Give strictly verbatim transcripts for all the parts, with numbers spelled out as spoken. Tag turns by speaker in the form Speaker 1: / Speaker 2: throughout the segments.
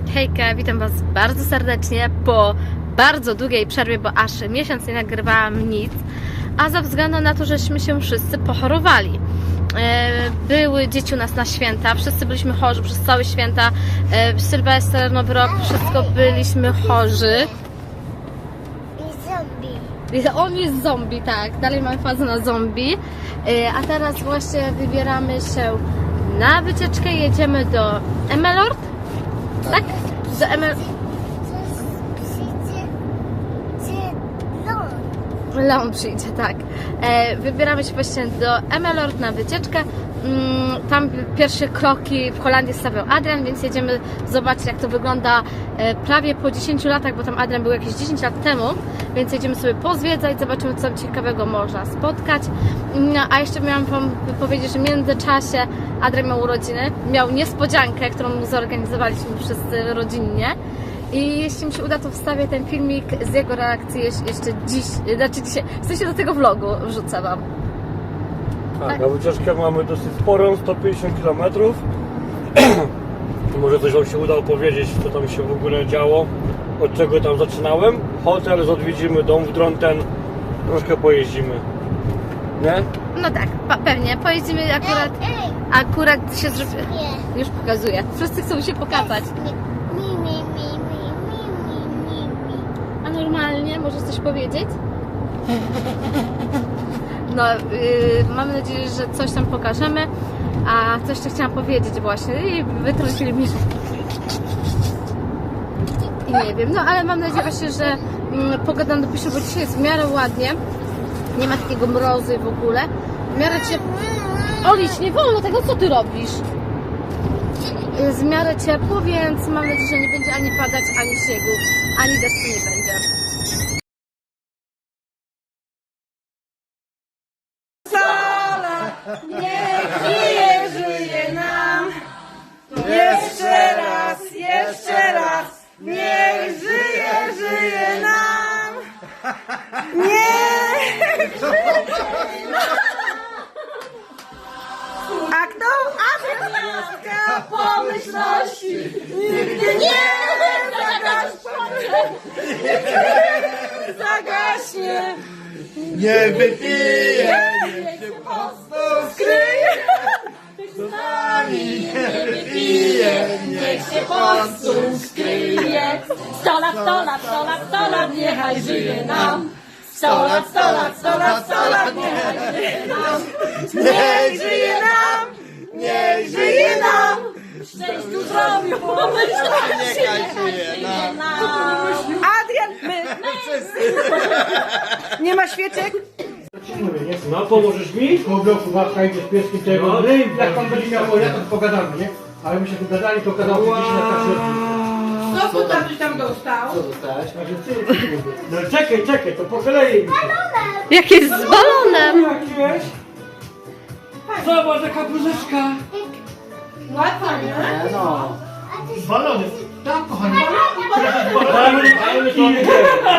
Speaker 1: Hejka, witam Was bardzo serdecznie po bardzo długiej przerwie, bo aż miesiąc nie nagrywałam nic, a ze względu na to, żeśmy się wszyscy pochorowali. Były dzieci u nas na święta, wszyscy byliśmy chorzy przez całe święta, Sylwester, Nowy Rok, wszystko byliśmy chorzy.
Speaker 2: I zombie.
Speaker 1: On jest zombie, tak, dalej mamy fazę na zombie, a teraz właśnie wybieramy się na wycieczkę, jedziemy do Emmeloord, tak? Do Emmeloord. Leon przyjdzie, tak. E, wybieramy się właśnie do Emmeloord na wycieczkę. Mm, tam pierwsze kroki w Holandii stawiał Adrian, więc jedziemy zobaczyć, jak to wygląda e, prawie po dziesięciu latach, bo tam Adrian był jakieś dziesięć lat temu, więc jedziemy sobie pozwiedzać, zobaczymy, co tam ciekawego można spotkać. No, a jeszcze miałam Wam powiedzieć, że w międzyczasie Adrian miał urodziny, miał niespodziankę, którą mu zorganizowaliśmy wszyscy rodzinnie. I jeśli mi się uda, to wstawię ten filmik z jego reakcji jeszcze dziś, znaczy dzisiaj, w sensie do tego vlogu wrzucę Wam.
Speaker 3: Tak, tak. A wycieczkę mamy dosyć sporą, sto pięćdziesiąt kilometrów. Może coś Wam się uda opowiedzieć, co tam się w ogóle działo, od czego tam zaczynałem. Hotel odwiedzimy, dom w Dronten, troszkę pojeździmy. Nie?
Speaker 1: No tak, pewnie, pojeździmy akurat, akurat się zrobi... Już pokazuję, wszyscy chcą się pokazać.
Speaker 2: Mi, mi, mi, mi, mi, mi, mi.
Speaker 1: A normalnie, możesz coś powiedzieć? No, yy, mam nadzieję, że coś tam pokażemy. A coś jeszcze chciałam powiedzieć właśnie i wytrącili mi. I nie wiem, no ale mam nadzieję właśnie, że mm, pogoda nam dopisze, bo dzisiaj jest w miarę ładnie. Nie ma takiego mrozu i w ogóle. W miarę ciepło. Olić, nie wolno tego, co ty robisz? Jest w miarę ciepło, więc mam nadzieję, że nie będzie ani padać, ani śniegu, ani deszczu nie będzie.
Speaker 4: Sala, niech żyje, żyje nam. Jeszcze raz, jeszcze raz, niech żyje, żyje nam. Niech żyje nam. A kto? Adrianka pomyślności nigdy nie zagaśnie. Zagaśnie.
Speaker 5: Nie wypije, niech się po prostu skryje. Z nami nie wypije, niech się po prostu skryje.
Speaker 4: Sto lat, sto lat, sto lat, sto lat, niechaj żyje nam. Sto lat, sto lat, sto lat, sto lat, niechaj żyje nam. Niech żyje nam, niech żyje nam. Szczęściu zdrowiu, pomyślności, niechaj żyje nam. Adrian, my, nie ma świeczek?
Speaker 3: No, pomożesz mi?
Speaker 6: Po bloku babka idzie z pieskiem tego,
Speaker 3: No.
Speaker 6: no. Jak pan będzie miał ja to pogadamy, nie? Ale my się dogadali, to gadał wow. Gdzieś na kasie.
Speaker 4: Co tu tam, tam dostał?
Speaker 5: Co dostałeś?
Speaker 6: Także ty, no czekaj, czekaj, to po kolei.
Speaker 1: Jak jest z balonem!
Speaker 6: Jakieś?
Speaker 3: Zobacz, taka bluzeczka.
Speaker 4: Łatwo, nie?
Speaker 5: Nie no.
Speaker 6: Balony. Tam, kochani.
Speaker 3: Ale to nie.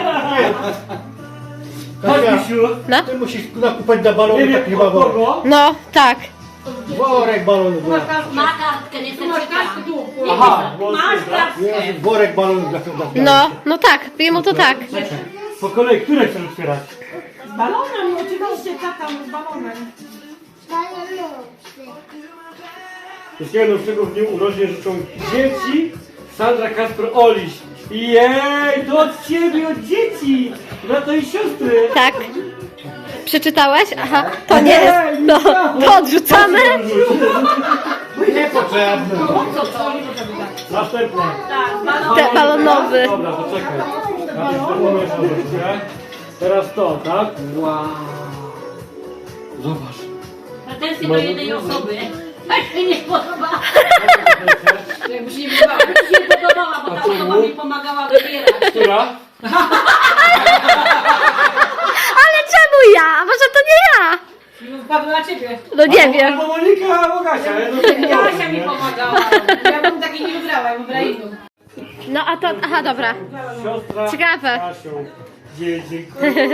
Speaker 6: Chodź,
Speaker 3: Misiu.
Speaker 1: No?
Speaker 6: Ty musisz nakupać na balony
Speaker 3: Nie
Speaker 6: taki
Speaker 3: wiem,
Speaker 6: chyba
Speaker 3: od kogo?
Speaker 1: No, tak.
Speaker 6: worek balonów.
Speaker 4: Ma kartkę, nie chcę kartkę tu.
Speaker 3: Aha,
Speaker 4: Masz kartkę.
Speaker 6: Jest worek balonów dla dla-
Speaker 1: No, no tak, jemu to tak.
Speaker 3: po kolei, które chcesz otwierać?
Speaker 4: Z balonem, oczywiście, tata z balonem.
Speaker 3: Wszystkiego najlepszego w dniu urodzin życzą dzieci Sandra, Kasper, Oliś. Jej, to od ciebie, od dzieci! Brata i siostry!
Speaker 1: Tak. Przeczytałeś? Aha, to nie jest. No, to odrzucamy.
Speaker 6: Niepotrzebne.
Speaker 3: Następne.
Speaker 1: Te balonowy.
Speaker 3: Dobra, to czekaj. Następne jeszcze troszkę. Teraz to, tak? Wow. Zobacz.
Speaker 7: Pretensje do jednej osoby. Tak się nie podoba.
Speaker 4: Jakby się nie wydawało.
Speaker 7: Mi się podobała, bo ta osoba mi pomagała wybierać.
Speaker 3: Która?
Speaker 1: Ale czemu ja? Może to nie ja?
Speaker 4: Wpadł na ciebie.
Speaker 1: No nie wiem.
Speaker 3: Albo Monika, albo Kasia.
Speaker 7: Kasia mi pomagała.
Speaker 4: Ja bym takiej nie wybrała, ja wybrała inną.
Speaker 1: No a to, aha, dobra.
Speaker 3: Siostra
Speaker 1: Ciekawe.
Speaker 3: Kasią. Dzie- Dziękuję.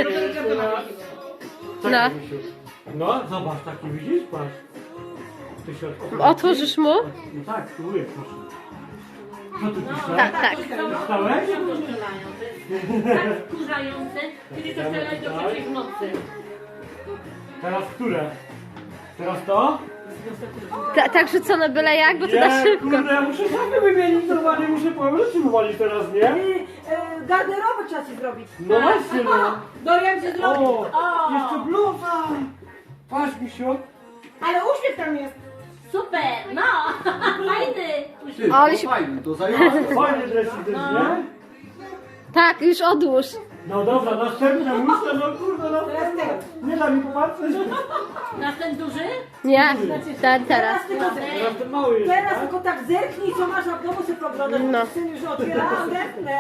Speaker 1: No.
Speaker 3: No, zobacz, taki widzisz? Patrz. Ty się otworzy.
Speaker 1: Otworzysz mu?
Speaker 3: No tak, spróbuję, proszę. Co tu pisze?
Speaker 1: Tak, tak.
Speaker 3: Stałeś?
Speaker 7: Tak wkurzające, kiedy to strzelają do trzeciej w nocy.
Speaker 3: Teraz które? Teraz to?
Speaker 1: Ta, tak rzucone byle jak, bo to na
Speaker 3: Nie,
Speaker 1: szybko.
Speaker 3: kurde, ja muszę sobie wymienić normalnie, muszę powrócić wywalić teraz, nie?
Speaker 4: E, Garderobę trzeba ci zrobić.
Speaker 3: No właśnie, no.
Speaker 4: Dorian ci zrobi.
Speaker 3: O, jeszcze bluza. Patrz, Misiu.
Speaker 4: Ale uśmiech tam jest.
Speaker 7: Super, no, fajny.
Speaker 5: Ty,
Speaker 1: Ale
Speaker 5: to
Speaker 1: się-
Speaker 5: fajny, to zajęło.
Speaker 3: Fajny dresik też, nie?
Speaker 1: Tak, już odłóż.
Speaker 3: No dobra, następne muszę, no kurde, no. Nie da mi popatrzeć.
Speaker 7: Na ten duży?
Speaker 1: Nie, ten teraz.
Speaker 4: Teraz tylko,
Speaker 3: Teraz ten mały jest,
Speaker 4: teraz
Speaker 3: tak?
Speaker 4: tylko tak zerknij, co masz na domu, sobie poglądać.
Speaker 1: No.
Speaker 4: No. Syn już otwiera, zerknę.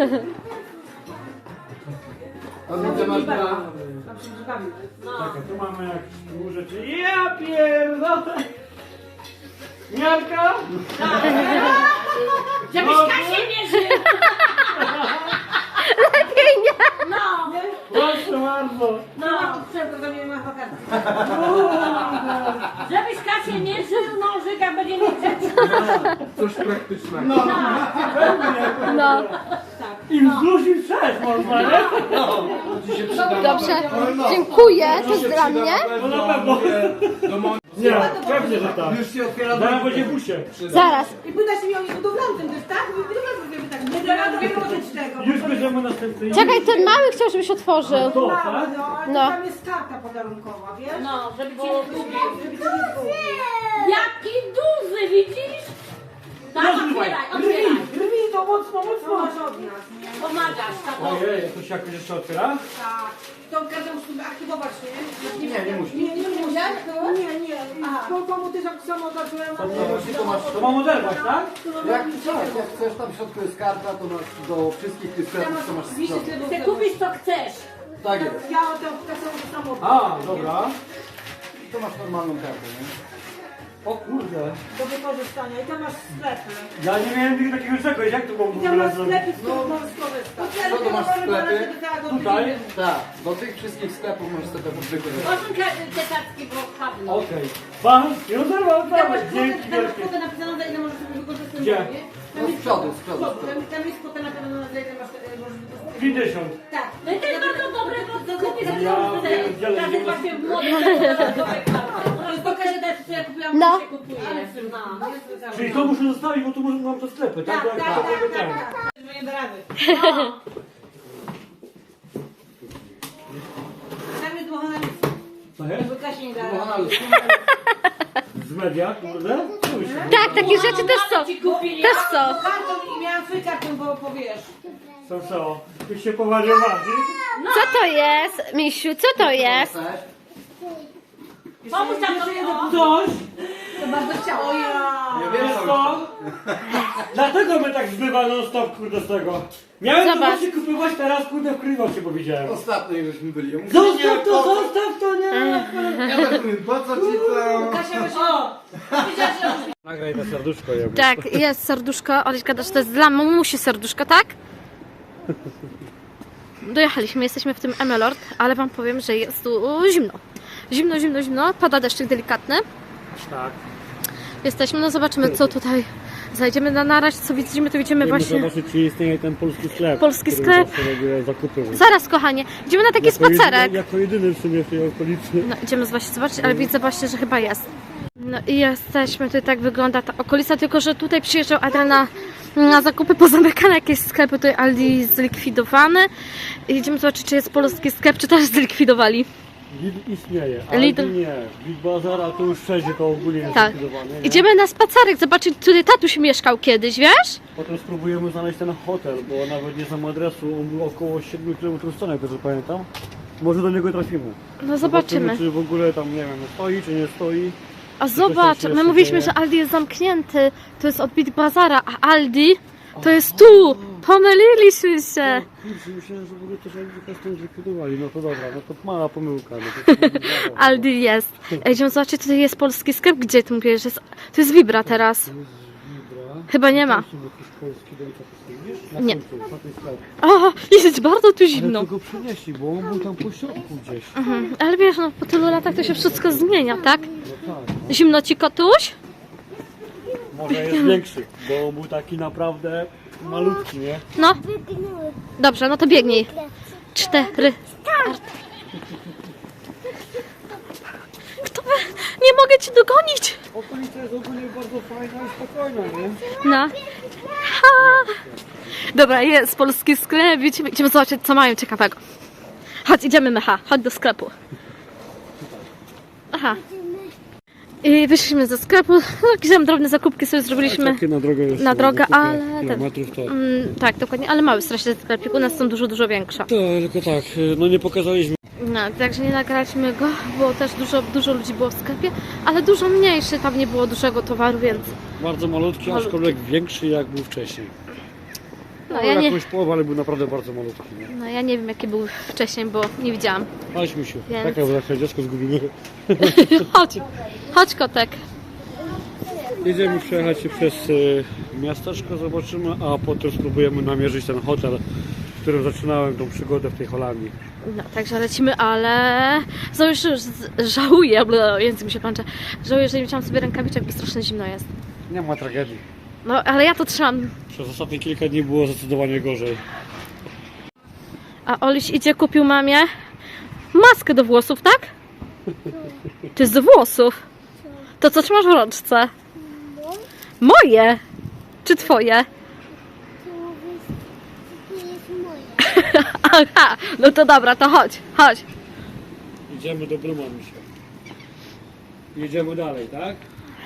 Speaker 5: A widzę, masz na...
Speaker 4: Tam się drzwiami.
Speaker 3: Czekaj, tu mamy jakieś tu rzeczy. Ja pierdolę! Miarka?
Speaker 7: Żebyś Kasię mierzył.
Speaker 1: Lepiej nie.
Speaker 7: No,
Speaker 3: Proszę bardzo.
Speaker 4: No, sprzęt, to nie ma wakacje.
Speaker 7: żebyś Kasię mierzył, nożyka będzie mieć rzeczy.
Speaker 5: Coś praktycznego.
Speaker 1: No,
Speaker 3: I wzdłuż i wszerz można, nie?
Speaker 5: To ci się przyda.
Speaker 1: dobrze. Dziękuję, to jest dla mnie.
Speaker 3: No na pewno.
Speaker 5: Do mo-
Speaker 3: Nie, pewnie, że tak.
Speaker 5: Już się otwiera
Speaker 3: Zaraz
Speaker 5: do...
Speaker 3: będzie w busie.
Speaker 1: Zaraz.
Speaker 4: I pytasz mnie o nich budowlanym też, tak? Budowlanym zrobimy tak. Nie da rady wyłożyć tego.
Speaker 3: Już bierzemy następny.
Speaker 1: Czekaj, ten mały chciał, żebyś otworzył.
Speaker 3: To,
Speaker 4: Mało,
Speaker 3: tak?
Speaker 4: no, ale
Speaker 1: No.
Speaker 4: tam jest karta podarunkowa, wiesz?
Speaker 7: No, żeby cię
Speaker 4: Bo,
Speaker 7: nie
Speaker 4: żeby,
Speaker 7: zgubił.
Speaker 4: żeby cię nie zgubił.
Speaker 7: Jaki duży, widzisz? Tak,
Speaker 3: Rozrywaj.
Speaker 7: otwieraj,
Speaker 3: Rwi,
Speaker 7: otwieraj.
Speaker 3: rwi to mocno,
Speaker 4: Co
Speaker 3: mocno.
Speaker 4: masz od nas?
Speaker 7: Pomagasz, tato.
Speaker 3: Ojej, to się jakoś jeszcze otwiera?
Speaker 4: Tak. Tą kartę musimy aktywować, nie?
Speaker 5: Nie, nie musi.
Speaker 4: Nie, nie musi. Nie, nie. Bo komu też jak samo zacząłem...
Speaker 5: To masz...
Speaker 3: To mam oderwać, tak?
Speaker 5: Jak chcesz, jak chcesz, tam w środku jest karta, to masz do wszystkich tych sklepów, co masz w środku.
Speaker 7: Chcę kupić co chcesz.
Speaker 5: Tak jest.
Speaker 4: Ja tę kasę samochód.
Speaker 3: A, dobra.
Speaker 5: To masz normalną kartę, nie?
Speaker 3: O kurde.
Speaker 4: Do wykorzystania. I tam masz sklepy.
Speaker 3: Ja nie miałem nigdy takiego czegoś, jak to mam w
Speaker 4: I tam
Speaker 3: ogóle
Speaker 4: masz
Speaker 3: zrobić?
Speaker 4: sklepy, z których możesz skorzystać.
Speaker 5: Co to masz w sklepie?
Speaker 3: Tutaj?
Speaker 5: Tak, do tych wszystkich sklepów możesz sobie wykorzystać.
Speaker 7: Osiem te kartki, bo padną.
Speaker 3: Okej. Pan, już zerwał,
Speaker 4: Tam
Speaker 3: zerwał.
Speaker 4: masz
Speaker 3: Dzięki
Speaker 4: kwotę, tam masz
Speaker 3: wielkie.
Speaker 4: kwotę napisaną, za ile możesz sobie wykorzystać.
Speaker 3: Gdzie?
Speaker 4: nie?
Speaker 5: No z przodu, z przodu, z przodu.
Speaker 4: Tam, tam jest kwota napisana, za ile masz, e, możesz wykorzystać.
Speaker 3: pięćdziesiąt.
Speaker 4: Tak.
Speaker 7: No i to jest bardzo dobre, bo kupię za
Speaker 3: Ja
Speaker 7: pieniądze.
Speaker 3: pierdzielę,
Speaker 7: Każdy
Speaker 3: nie ma-
Speaker 7: właśnie młody dodatkowe karty.
Speaker 4: To jest pokaże też, co ja kupiłam,
Speaker 1: No.
Speaker 4: co się kupuje. No.
Speaker 3: Czyli to muszę zostawić, bo tu może mam to sklepy, tak?
Speaker 4: Tak, tak,
Speaker 3: Jak
Speaker 4: tak,
Speaker 3: tego
Speaker 4: tak,
Speaker 3: ten.
Speaker 4: tak, tak. Nie da rady. Tam jest dmuchana luz.
Speaker 3: Co jest?
Speaker 4: Bo Kasia nie da rady.
Speaker 5: Kochana Luz,
Speaker 3: Z media, kurde? Cóż.
Speaker 1: Tak, takie rzeczy też są.
Speaker 7: Ci kupili.
Speaker 1: Też są.
Speaker 4: Kartą i miałam swój kartą, bo powiesz.
Speaker 3: Co, co? Ty się powariowali?
Speaker 1: Co to jest, Misiu, co to jest?
Speaker 5: chcesz?
Speaker 7: Pomóż tam to.
Speaker 3: Coś?
Speaker 4: To bardzo chciało. O ja.
Speaker 5: Nie wiem,
Speaker 3: Wiesz
Speaker 5: co
Speaker 3: co? Dlatego mnie tak zbywa non stop, kurde, z tego. Miałem to
Speaker 1: Zobacz.
Speaker 3: właśnie kupować, teraz kurde wkrywał się powiedziałem.
Speaker 5: Ostatnio jak żeśmy byli. Ja mówię,
Speaker 3: Zostaw
Speaker 5: nie,
Speaker 3: to,
Speaker 5: po co?
Speaker 3: zostaw to, nie!
Speaker 5: Ja tak mówię, po co ci to?
Speaker 4: Kasia właśnie... O! Wiedziałaś, że...
Speaker 3: Nagraj to serduszko, ja
Speaker 1: Tak, jest serduszko. Oliśka też to jest dla mamusi serduszko, tak? Dojechaliśmy, jesteśmy w tym Emelord, ale wam powiem, że jest tu zimno. Zimno, zimno, zimno. Pada deszczyk delikatny.
Speaker 3: Tak.
Speaker 1: Jesteśmy, no zobaczymy co tutaj zajdziemy na naraź, co widzimy, to widzimy właśnie...
Speaker 3: zobaczyć, czy istnieje ten polski sklep.
Speaker 1: Polski
Speaker 3: który
Speaker 1: sklep.
Speaker 3: zawsze robię zakupy.
Speaker 1: Zaraz kochanie, idziemy na taki
Speaker 3: Jako
Speaker 1: spacerek.
Speaker 3: Jedyny, jako jedyny w sumie w tej okolicy.
Speaker 1: No idziemy właśnie zobaczyć, ale widzę właśnie, że chyba jest. No i jesteśmy, tutaj tak wygląda ta okolica, tylko że tutaj przyjeżdżał Adrian na, na zakupy, pozamykane jakieś sklepy, tutaj Aldi zlikwidowany. I idziemy zobaczyć, czy jest polski sklep, czy też zlikwidowali.
Speaker 3: Lidl istnieje,
Speaker 1: Lidl.
Speaker 3: Aldi nie. Big Bazara to już wszędzie to ogólnie jest
Speaker 1: Tak.
Speaker 3: zlikwidowane. nie?
Speaker 1: Idziemy na spacerek, zobaczyć, tutaj tatuś mieszkał kiedyś, wiesz?
Speaker 3: Potem spróbujemy znaleźć ten hotel, bo nawet nie znam adresu, on był około siedmiu kilometrów stąd, jak dobrze pamiętam. Może do niego trafimy.
Speaker 1: No zobaczymy.
Speaker 3: Czy w ogóle tam, nie wiem, stoi, czy nie stoi.
Speaker 1: A zobacz,
Speaker 3: się
Speaker 1: my
Speaker 3: jeszcze
Speaker 1: mówiliśmy,
Speaker 3: dzieje.
Speaker 1: że Aldi jest zamknięty, to jest od Big Bazara, a Aldi to jest tu! Pomyliliśmy się!
Speaker 3: Kurczę, myślałem, że w ogóle też Aldi stąd zlikwidowali. No to dobra, no to mała pomyłka. No to
Speaker 1: Aldi jest. Ej, idziemy zobaczyć, tutaj jest polski sklep, gdzie ty mówisz, że jest... To jest Vibra teraz.
Speaker 3: Vibra.
Speaker 1: Chyba nie ma.
Speaker 3: Tam są jakieś polskie delicatessen, wiesz? Na
Speaker 1: Nie.
Speaker 3: końcu, na tej sklepie.
Speaker 1: O, jest bardzo tu
Speaker 3: Ale
Speaker 1: zimno.
Speaker 3: to go przynieśli, bo on był tam po środku gdzieś.
Speaker 1: Mhm. Ale wiesz, no po tylu latach to się wszystko zmienia, tak?
Speaker 3: No tak.
Speaker 1: Zimno ci, kotuś?
Speaker 3: Może jest większy, bo był taki naprawdę malutki, nie?
Speaker 1: No,
Speaker 2: Wygnuły.
Speaker 1: dobrze, no to biegnij. Cztery. Start. Kto we... Nie mogę cię dogonić.
Speaker 3: Okolica jest ogólnie bardzo fajna i spokojna, nie?
Speaker 1: No. Ha. Dobra, jest polski sklep. Idziemy, idziemy zobaczyć, co mają ciekawego. Chodź, idziemy, Mecha. Chodź do sklepu. Aha. I wyszliśmy ze sklepu. No, jakieś tam drobne zakupki sobie zrobiliśmy.
Speaker 3: Takie na drogę jest.
Speaker 1: Na drogę,
Speaker 3: kilka
Speaker 1: ale ten-
Speaker 3: kilometrów to...
Speaker 1: Mm, tak, dokładnie, ale mały strasznie sklepik. U nas są dużo, dużo większe.
Speaker 3: To, tylko tak, no nie pokazaliśmy.
Speaker 1: No, także nie nagraliśmy go, bo też dużo, dużo ludzi było w sklepie, ale dużo mniejszy, tam nie było dużego towaru, więc
Speaker 3: Bardzo malutki,
Speaker 1: Malutki.
Speaker 3: aczkolwiek większy jak był wcześniej.
Speaker 1: no,
Speaker 3: No,
Speaker 1: ja nie,
Speaker 3: jakąś połowę, ale był naprawdę bardzo malutki. Nie?
Speaker 1: no, ja nie wiem jaki był wcześniej, bo nie widziałam.
Speaker 3: Chodź, Misiu.
Speaker 1: Więc-
Speaker 3: Taka była taka dziecko zgubimy.
Speaker 1: Chodź, chodź kotek.
Speaker 3: Jedziemy przejechać się przez y, miasteczko, zobaczymy, a potem spróbujemy namierzyć ten hotel, w którym zaczynałem tą przygodę w tej Holandii.
Speaker 1: No, także lecimy, ale znowu już z- żałuję, bo język mi się plącze, żałuję, że nie wziąłam sobie rękawiczek, bo strasznie zimno jest.
Speaker 3: Nie ma tragedii.
Speaker 1: No, ale ja to trzymam.
Speaker 3: Przez ostatnie kilka dni było zdecydowanie gorzej.
Speaker 1: A Oliś idzie, kupił mamie maskę do włosów, tak? To jest do włosów. To co trzymasz w rączce? Moje? Czy twoje?
Speaker 2: To mówisz, że to jest moje.
Speaker 1: Aha, no to dobra, to chodź, chodź.
Speaker 3: Idziemy do Bruma, Misiu. Jedziemy dalej, tak?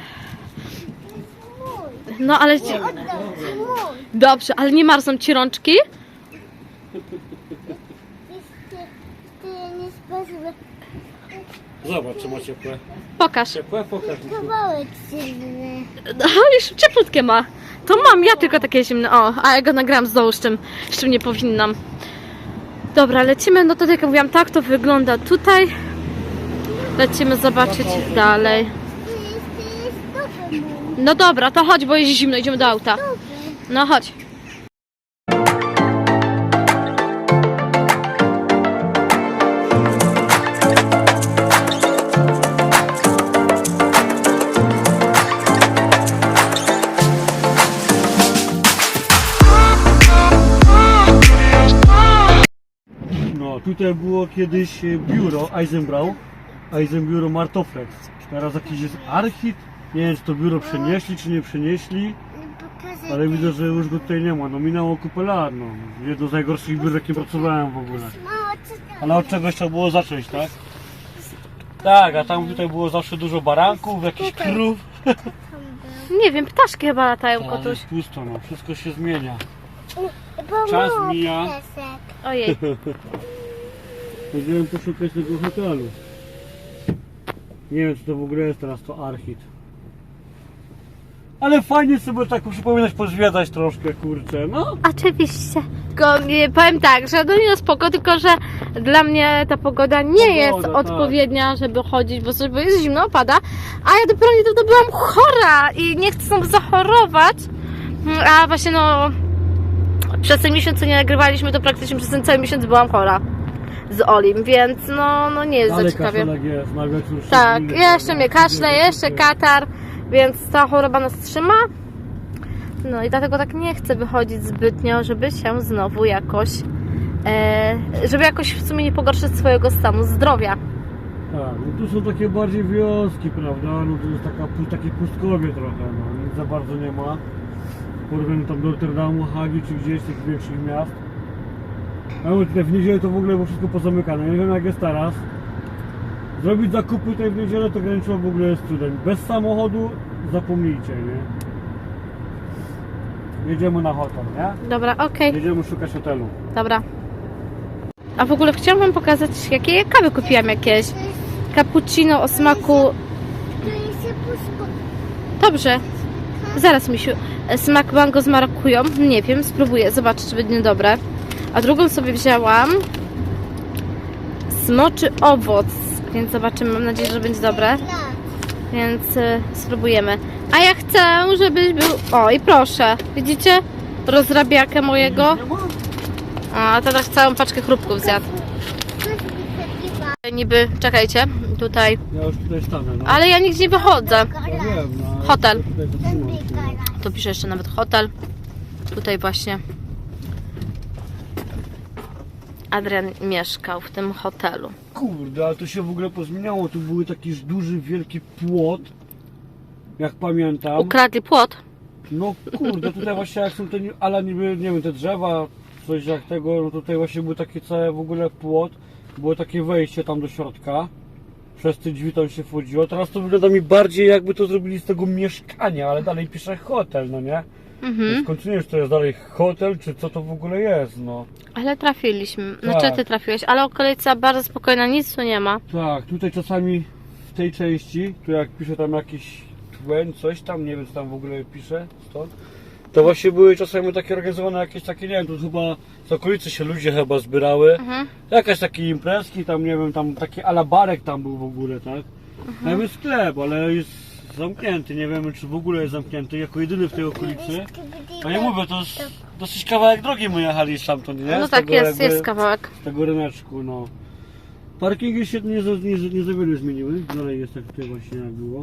Speaker 1: No ale... ci-
Speaker 2: Oddam ci mój.
Speaker 1: Dobrze, ale nie marzną ci rączki?
Speaker 2: Wiesz, ty, ty nie sposób.
Speaker 3: Zobacz, czy ma ciepłe.
Speaker 1: Pokaż.
Speaker 3: Ciepłe? Pokaż, Misiu.
Speaker 2: Kawałek silny.
Speaker 1: No, już cieplutkie ma. To mam, ja tylko takie zimne. O, a ja go nagrałam z dołu, z czym, z czym nie powinnam. Dobra, lecimy. No to tak jak mówiłam, tak to wygląda tutaj. Lecimy zobaczyć dalej.
Speaker 2: To jest, to jest dobry mój.
Speaker 1: No dobra, to chodź, bo jest zimno, idziemy do auta.
Speaker 2: Dobry.
Speaker 1: No chodź.
Speaker 3: No, tutaj było kiedyś e, biuro Eisenbrau, Eisenbiuro Martoflex. Teraz jakiś jest Archit. Nie wiem, czy to biuro przenieśli, czy nie przenieśli,
Speaker 2: Pokażę
Speaker 3: ale widzę, że już go tutaj nie ma. No minęło kupę lat, no. Jedno z najgorszych biur, jakie pracowałem w ogóle.
Speaker 2: mało, co tam
Speaker 3: Ale od czegoś trzeba było zacząć, tak? Tak, a tam tutaj było zawsze dużo baranków, jakichś krów.
Speaker 1: Nie wiem, ptaszki chyba latają,
Speaker 3: Ale
Speaker 1: kotuś.
Speaker 3: jest pusto, no. Wszystko się zmienia.
Speaker 2: Pomóż,
Speaker 3: Czas mija.
Speaker 2: piesek.
Speaker 1: Ojej.
Speaker 3: Chodziłem poszukać tego hotelu. Nie wiem, czy to w ogóle jest teraz to Archit. Ale fajnie sobie tak przypominać, pozwiedzać troszkę, kurczę, no.
Speaker 1: Oczywiście. Tylko nie, powiem tak, że no nie no spoko, tylko że dla mnie ta pogoda nie
Speaker 3: Pogoda,
Speaker 1: jest
Speaker 3: tak.
Speaker 1: odpowiednia, żeby chodzić, bo, sobie, bo jest zimno, pada, a ja dopiero niedawno byłam chora i nie chcę znowu zachorować, a właśnie no przez ten miesiąc, co nie nagrywaliśmy, to praktycznie przez ten cały miesiąc byłam chora z Olim, więc no, no nie jest
Speaker 3: Ale
Speaker 1: za ciekawie.
Speaker 3: kaszelek jest, na wieczór
Speaker 1: Tak,
Speaker 3: szczególny,
Speaker 1: jeszcze
Speaker 3: prawda?
Speaker 1: mnie kaszle, jeszcze katar, więc ta choroba nas trzyma. No i dlatego tak nie chcę wychodzić zbytnio, żeby się znowu jakoś, e, żeby jakoś w sumie nie pogorszyć swojego stanu zdrowia.
Speaker 3: Tak, no tu są takie bardziej wioski, prawda? No to jest taka, pu- takie pustkowie trochę, no nic za bardzo nie ma. W porównaniu tam do Rotterdamu, Hagi czy gdzieś z tych większych miast. A mówię, tutaj w niedzielę to w ogóle było wszystko pozamykane, nie wiem jak jest teraz. Zrobić zakupy tutaj w niedzielę to graniczyło w ogóle z cudem. Bez samochodu zapomnijcie, nie? Jedziemy na hotel, nie?
Speaker 1: Dobra, okej,
Speaker 3: Jedziemy szukać hotelu.
Speaker 1: dobra. A w ogóle chciałam wam pokazać, jakie ja kawy kupiłam jakieś. Cappuccino o smaku...
Speaker 2: To jest puszko.
Speaker 1: Dobrze, zaraz misiu. Smak mango z marakują. Nie wiem, spróbuję, zobaczę czy będzie dobre. A drugą sobie wzięłam smoczy owoc, więc zobaczymy, mam nadzieję, że będzie dobre.
Speaker 2: Tak.
Speaker 1: Więc y, spróbujemy. A ja chcę, żebyś był... O, i proszę, widzicie? Rozrabiakę mojego. A teraz całą paczkę chrupków zjadł.
Speaker 2: Coś mi takiego.
Speaker 1: Niby, czekajcie, tutaj.
Speaker 3: Ja już tutaj stanę, no.
Speaker 1: Ale ja nigdzie nie wychodzę.
Speaker 3: Ja wiem, no. ale
Speaker 1: Hotel.
Speaker 3: Tutaj zatrzymam się.
Speaker 1: Tu pisze jeszcze nawet hotel. Tutaj właśnie Adrian mieszkał w tym hotelu.
Speaker 3: Kurde, ale to się w ogóle pozmieniało. Tu był taki duży, wielki płot. Jak pamiętam.
Speaker 1: Ukradli płot.
Speaker 3: No kurde, tutaj właśnie jak są te, ale niby, nie wiem, te drzewa, coś jak tego, no tutaj właśnie był taki cały w ogóle płot. Było takie wejście tam do środka. Przez te drzwi tam się wchodziło. Teraz to wygląda mi bardziej jakby to zrobili z tego mieszkania, ale dalej pisze hotel, no nie?
Speaker 1: Mhm.
Speaker 3: Więc kończynie, czy to jest dalej hotel, czy co to w ogóle jest, no.
Speaker 1: Ale trafiliśmy. Znaczy
Speaker 3: Tak.
Speaker 1: ty trafiłeś, ale okolica bardzo spokojna, nic tu nie ma.
Speaker 3: Tak, tutaj czasami w tej części, tu jak pisze tam jakiś tłem, coś tam, nie wiem co tam w ogóle pisze stąd, to właśnie były czasami takie organizowane jakieś takie, nie wiem, tu chyba z okolicy się ludzie chyba zbierały,
Speaker 1: Mhm.
Speaker 3: jakieś takie imprezki, tam nie wiem, tam taki alabarek tam był w ogóle, tak? Tam jest sklep, ale jest zamknięty, nie wiemy czy w ogóle jest zamknięty, jako jedyny w tej okolicy. A nie mówię, to jest dosyć kawałek drogi my jechali stamtąd, nie?
Speaker 1: No
Speaker 3: Z
Speaker 1: tak
Speaker 3: tego
Speaker 1: jest,
Speaker 3: jakby-
Speaker 1: jest kawałek.
Speaker 3: z tego ryneczku, no. Parkingi się nie, za- nie, nie za wiele zmieniły, dalej jest tak tutaj właśnie jak było.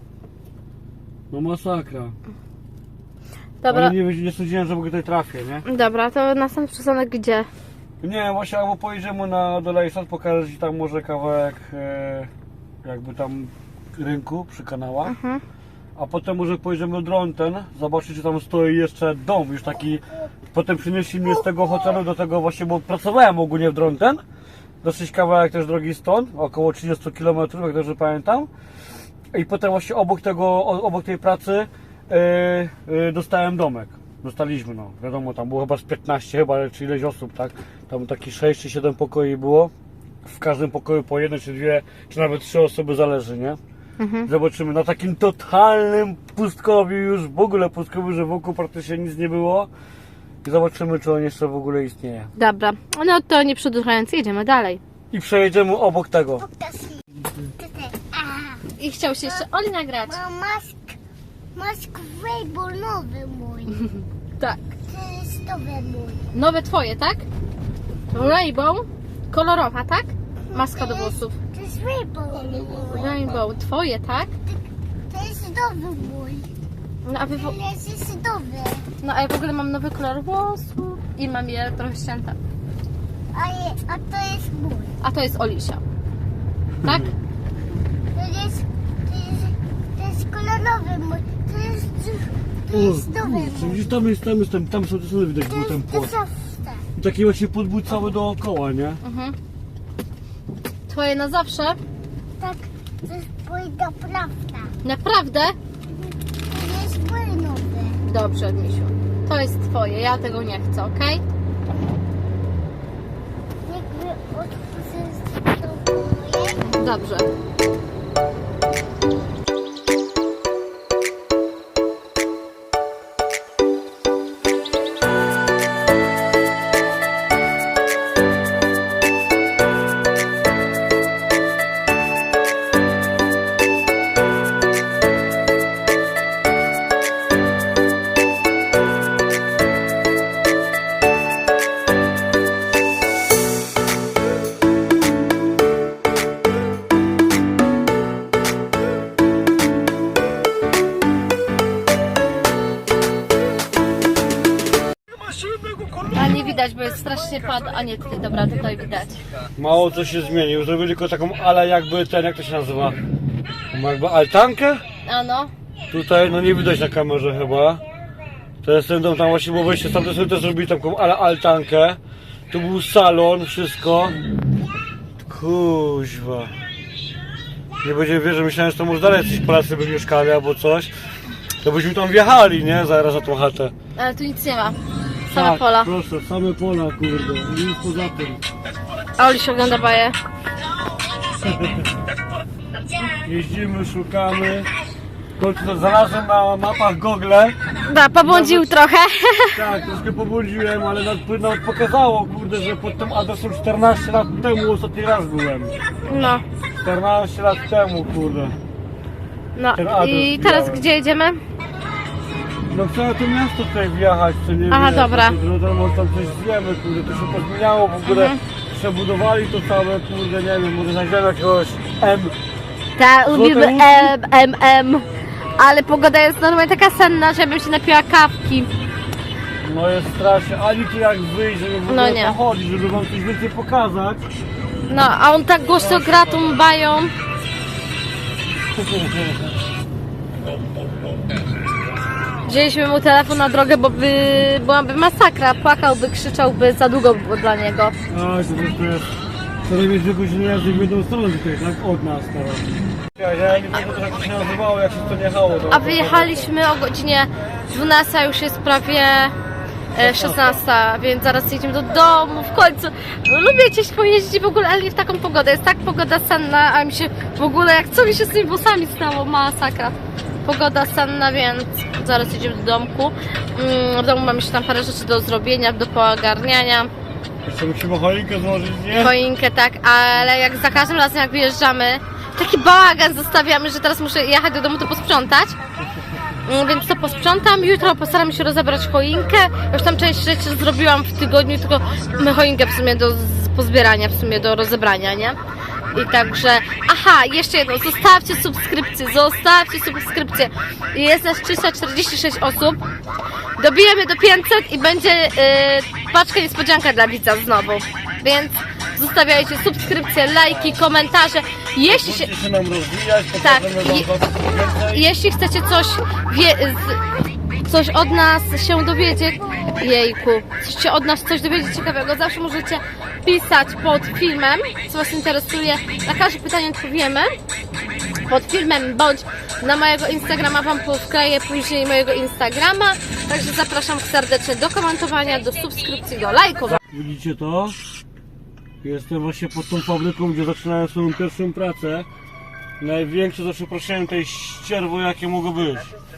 Speaker 3: No masakra.
Speaker 1: Dobra,
Speaker 3: Ale nie, nie sądziłem, że w ogóle tutaj trafię, nie?
Speaker 1: dobra, to następny przystanek gdzie?
Speaker 3: Nie, właśnie albo pojedziemy na do Lejsat, pokażę Ci tam może kawałek e, jakby tam rynku przy kanałach.
Speaker 1: Mhm.
Speaker 3: A potem może pojedziemy do Dronten, zobaczyć czy tam stoi jeszcze dom, już taki. Potem przynieśli mnie z tego hotelu do tego właśnie, bo pracowałem ogólnie w Dronten. Dosyć kawałek też drogi stąd, około trzydzieści kilometrów, jak dobrze pamiętam. I potem właśnie obok tego, o- obok tej pracy yy, yy, dostałem domek. Dostaliśmy, no wiadomo, tam było chyba z piętnaście chyba, czy ileś osób, tak? Tam taki sześć czy siedem pokoi było. W każdym pokoju po jednej czy dwie, czy nawet trzy osoby, zależy, nie?
Speaker 1: Mhm.
Speaker 3: Zobaczymy na takim totalnym pustkowiu, już w ogóle pustkowiu, że wokół praktycznie nic nie było. I zobaczymy, czy on jeszcze w ogóle istnieje.
Speaker 1: Dobra, no to nie przedłużając, jedziemy dalej.
Speaker 3: I przejedziemy obok tego.
Speaker 2: Pokaż mi. Tutaj. A,
Speaker 1: I chciał się jeszcze Oli nagrać.
Speaker 2: mam mask. Mask Rainbow nowy mój.
Speaker 1: Tak.
Speaker 2: To jest nowy mój.
Speaker 1: Nowe twoje, tak? Rainbow, kolorowa, tak? Maska do włosów.
Speaker 2: To jest Rainbow mój.
Speaker 1: Rainbow, twoje, tak?
Speaker 2: To jest nowy mój.
Speaker 1: No a, wy, w-
Speaker 2: To jest nowy.
Speaker 1: no a ja w ogóle mam nowy kolor włosów i mam je trochę ścięte.
Speaker 2: A, je, a to jest mój.
Speaker 1: A to jest Olisia. Tak?
Speaker 2: To jest, to jest, to jest kolorowy mój. To jest, to jest nowy
Speaker 3: kurczę,
Speaker 2: mój.
Speaker 3: widzisz, tam jest, tam jest, tam, tam są te widać,
Speaker 2: To
Speaker 3: był ten
Speaker 2: jest to
Speaker 3: płot.
Speaker 2: zawsze.
Speaker 3: I taki właśnie podbój cały dookoła, nie?
Speaker 1: Mhm. Twoje na zawsze?
Speaker 2: Tak, to jest mój naprawdę.
Speaker 1: Naprawdę?
Speaker 2: To jest mój nowy.
Speaker 1: Dobrze, Misiu. To jest twoje, ja tego nie chcę, okej?
Speaker 2: Jakby otworzyć to moje.
Speaker 1: Dobrze. A nie widać, bo jest strasznie pad, a nie tutaj, dobra, tutaj widać.
Speaker 3: Mało co się zmienił, zrobili tylko taką ale jakby ten, jak to się nazywa? Taką jakby altankę?
Speaker 1: A no,
Speaker 3: Tutaj, no nie widać na kamerze chyba. To jest ten dom, tam właśnie było wejście, tam sobie też zrobili taką ale altankę. Tu był salon, wszystko. Kuźwa. Nie będziemy wierzyć, myślałem, że to może dalej jacyś Polacy by mieszkali albo coś. To byśmy tam wjechali, nie? Zaraz za tą chatę.
Speaker 1: ale tu nic nie ma. Same
Speaker 3: Tak,
Speaker 1: pola.
Speaker 3: proszę, same pola, kurde. Nic poza tym.
Speaker 1: A Oli się ogląda baję.
Speaker 3: Jeździmy, szukamy. W końcu to znalazłem na mapach Google.
Speaker 1: Da, pobłądził trochę.
Speaker 3: Tak, troszkę pobłądziłem, ale nawet, nawet pokazało, kurde, że pod tym adresem czternaście lat temu ostatni raz byłem.
Speaker 1: No,
Speaker 3: czternaście lat temu, kurde.
Speaker 1: no.
Speaker 3: Ten adres
Speaker 1: I teraz
Speaker 3: wbijałem.
Speaker 1: gdzie jedziemy?
Speaker 3: No chcę to miasto tutaj wjechać, co nie
Speaker 1: Aha,
Speaker 3: wiem,
Speaker 1: dobra.
Speaker 3: No to może tam coś zjemy, kurde, to się pozmieniało w ogóle. przebudowali to całe, kurde, nie wiem, może znajdziemy jakiegoś M.
Speaker 1: Tak, lubimy
Speaker 3: Złote
Speaker 1: M, M, M. Ale pogoda jest normalnie taka senna, żebym się napiła kawki.
Speaker 3: No jest strasznie, ani tu jak wyjść, żeby w ogóle
Speaker 1: No nie.
Speaker 3: pochodzić, żeby wam coś więcej pokazać.
Speaker 1: No, a on tak głośno gra tą bają. Wzięliśmy mu telefon na drogę, bo by byłaby masakra. Płakałby, krzyczałby, za długo by było dla niego.
Speaker 3: A, to po prostu jest co najmniej dwie godziny jazdy w jedną stronę tutaj, tak? Od nas teraz. Ja, ja nie wiem, jak to się nazywało, jak się to nie jechało. To
Speaker 1: A wyjechaliśmy o godzinie dwunastej, już jest prawie e, szesnasta, więc zaraz jedziemy do domu w końcu. Lubię gdzieś pojeździć w ogóle, ale nie w taką pogodę. Jest tak pogoda senna, a mi się w ogóle, jak co mi się z tymi włosami stało, masakra. Pogoda senna, więc zaraz jedziemy do domku. Mm, w domu mam jeszcze tam parę rzeczy do zrobienia, do poogarniania.
Speaker 3: jeszcze musimy choinkę złożyć, nie?
Speaker 1: Choinkę, tak, ale jak za każdym razem jak wyjeżdżamy, taki bałagan zostawiamy, że teraz muszę jechać do domu to posprzątać. Mm, Więc to posprzątam, jutro postaram się rozebrać choinkę. Już tam część rzeczy zrobiłam w tygodniu, tylko mamy choinkę w sumie do z- pozbierania, w sumie do rozebrania, nie? I także, aha, jeszcze jedno, zostawcie subskrypcję, zostawcie subskrypcję. Jest nas trzysta czterdzieści sześć osób, dobijemy do pięćset i będzie yy, paczka niespodzianka dla widza znowu. Więc zostawiajcie subskrypcje, lajki, komentarze. Jeśli się,
Speaker 3: Musicie się nam rozwijać,
Speaker 1: Tak,
Speaker 3: pokażemy wam
Speaker 1: je-
Speaker 3: was więcej.
Speaker 1: jeśli chcecie coś, wie, z, coś od nas się dowiedzieć, jejku, chcecie od nas coś dowiedzieć ciekawego, zawsze możecie pisać pod filmem, co was interesuje. Na każde pytanie odpowiemy pod filmem, bądź na mojego Instagrama, wam wkleję później mojego Instagrama. Także zapraszam serdecznie do komentowania, do subskrypcji, do lajkowania.
Speaker 3: Widzicie to? Jestem właśnie pod tą fabryką, gdzie zaczynałem swoją pierwszą pracę. Największe za przeproszeniem tej ścierwo, jakie mogło być.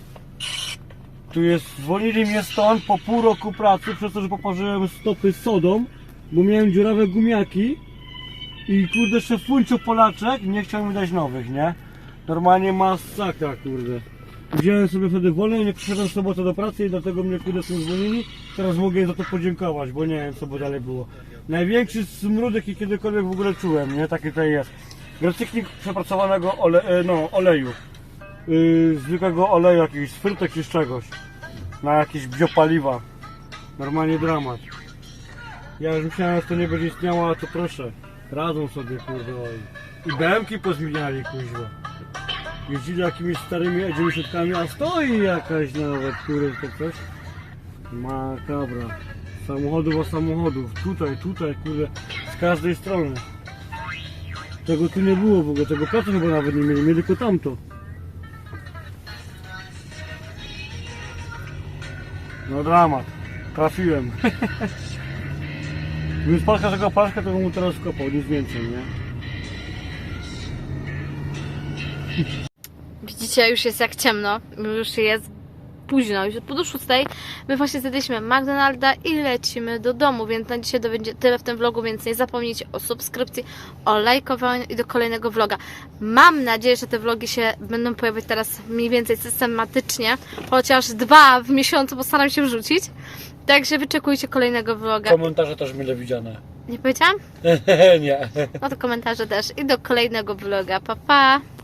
Speaker 3: Tu jest, zwolnili mnie stąd po pół roku pracy, przez to, że poparzyłem stopy sodą, bo miałem dziurawe gumiaki i kurde szefuncio Polaczek nie chciał mi dać nowych, nie? Normalnie masakra, kurde. Wziąłem sobie wtedy wolne i nie przyszedłem w sobotę do pracy i dlatego mnie kurde są zwolnili. Teraz mogę im za to podziękować, bo nie wiem co by dalej było. Największy smród jaki kiedykolwiek w ogóle czułem, nie? Taki tutaj jest. Recykling przepracowanego ole, e, no, oleju. Yy, zwykłego oleju, jakichś z frytek czy z czegoś. Na jakieś biopaliwa. Normalnie dramat. Ja już myślałem, że to nie będzie istniało, a to proszę. Radzą sobie, kurde. oj. I B M ki pozmieniali, kuźwa. Jeździli jakimiś starymi E dziewięćdziesiątkami, a stoi jakaś nawet, kurde, to coś. Makabra. Samochodów o samochodów. Tutaj, tutaj, kurde. Z każdej strony. Tego tu nie było w ogóle, tego placu chyba nawet nie mieli, mieli tylko tamto. No dramat. Trafiłem. Gdyby spadł każdego paszka, to bym mu teraz wkopał, nic więcej, nie?
Speaker 1: Widzicie, już jest jak ciemno, już jest późno, już po do szóstej. My właśnie zjedliśmy McDonalda i lecimy do domu, więc na dzisiaj to będzie tyle w tym vlogu, więc nie zapomnijcie o subskrypcji, o lajkowaniu i do kolejnego vloga. Mam nadzieję, że te vlogi się będą pojawiać teraz mniej więcej systematycznie, chociaż dwa w miesiącu postaram się wrzucić. Także wyczekujcie kolejnego vloga.
Speaker 3: Komentarze też mile widziane.
Speaker 1: Nie powiedziałam?
Speaker 3: Nie.
Speaker 1: No to komentarze też i do kolejnego vloga. Pa, pa!